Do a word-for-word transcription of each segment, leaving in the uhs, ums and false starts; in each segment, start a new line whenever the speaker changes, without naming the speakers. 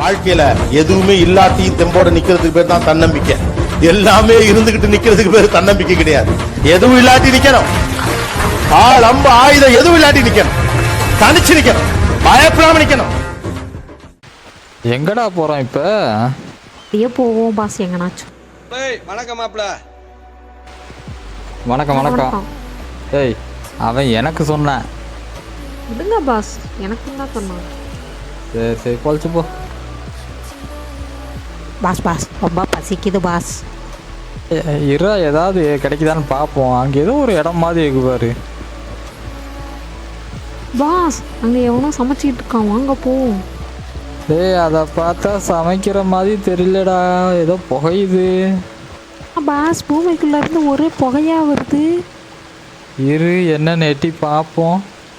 வாழ்க்கையில எதுவுமே இல்லாட்டியும் தெம்போட நிக்கிறதுக்கு பேர் தான் தன்னம்பிக்கை. எல்லாமே இருந்துகிட்டு நிக்கிறதுக்கு பேர் தன்னம்பிக்கை கிடையாது. எதுவும் இல்லாட்டி நிக்கணும். ஆள் அம்பு ஆயுதம் எதுவும் இல்லாட்டி நிக்கணும். தனிச்சு நிக்கணும். பயப்படாம நிக்கணும்.
எங்கடா போறோம் இப்ப?
அப்படியே போவோம் பாஸ் எங்கனாச்சும்.
வணக்கம் மாப்ள.
வணக்கம் வணக்கம். ஏய் அவன் எனக்கு சொன்னான்.
விடுங்க பாஸ், எனக்கு தான் சொன்னான்.
சரி சரி குழச்சு போ.
பாஸ் பாஸ் ரொம்ப பசிக்குது பாஸ்.
இரா ஏதாவது கிடைக்குதான்னு பார்ப்போம். அங்கே ஏதோ ஒரு இடம் மாதிரி இருக்கு பாரு.
பாஸ் அங்கே எவனோ சமைச்சிட்டு இருக்கான், வாங்க போவோம்.
ஏய் அதை பார்த்தா சமைக்கிற மாதிரி தெரியலடா, ஏதோ புகையுது.
பாஸ் பூமிக்குள்ள இருந்து ஒரே புகையா வருது.
இரு என்னன்னு எட்டி பார்ப்போம்.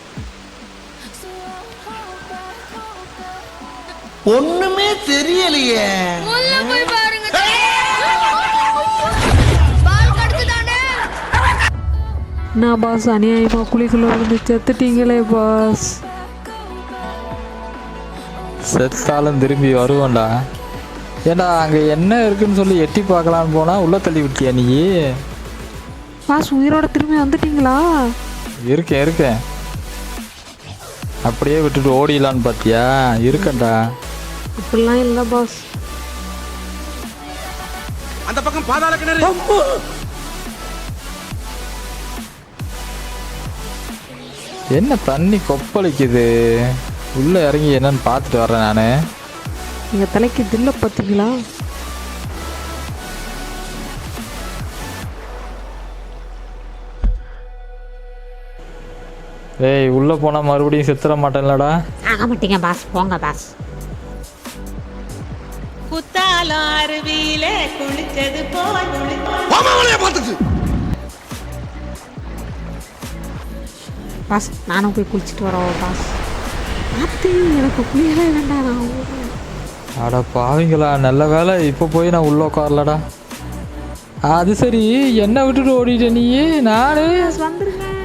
ஒண்ணுமே தெரியலையே.
நான் பாஸ் அநியாயமா குழிக்குள்ள இருந்து செத்துட்டீங்களே பாஸ்.
செத்தாலும் திரும்பி வருவோம்டா. ஏண்டா அங்கே என்ன இருக்குன்னு சொல்லி எட்டி பார்க்கலான்னு போனால் உள்ளே தள்ளி விட்டியா நீ?
பாஸ் உயிரோட திரும்பி வந்துட்டீங்களா?
இருக்கேன் இருக்கேன். அப்படியே விட்டுட்டு ஓடிடலான்னு பார்த்தியா? இருக்கேன்டா.
இப்படிலாம் இல்லை பாஸ்.
அந்த பக்கம் பாதாள கிணறு.
என்ன தண்ணி கொப்பளிக்குது? உள்ளே இறங்கி என்னன்னு பார்த்துட்டு வரேன் நான்.
எங்கள் தலைக்கு தில்ல பார்த்தீங்களா?
ஏய் உள்ளே போனால் மறுபடியும் செத்துற மாட்டேன்லடா.
ஆக மாட்டீங்க பாஸ், போங்க பாஸ்.
குத்தாலம் அருவியில குளிச்சது போல்
பாஸ் நானும் போய் குளிச்சுட்டு வரோம் பாஸ். பார்த்து எனக்கு குளியவே வேண்டாம். நான்
அட பாவிங்களா, நல்ல வேலை இப்போ போய் நான் உள்ளே உட்காரலடா. அது சரி, என்ன விட்டுட்டு ஓடிட்ட நீ? நானே
வந்துருங்க.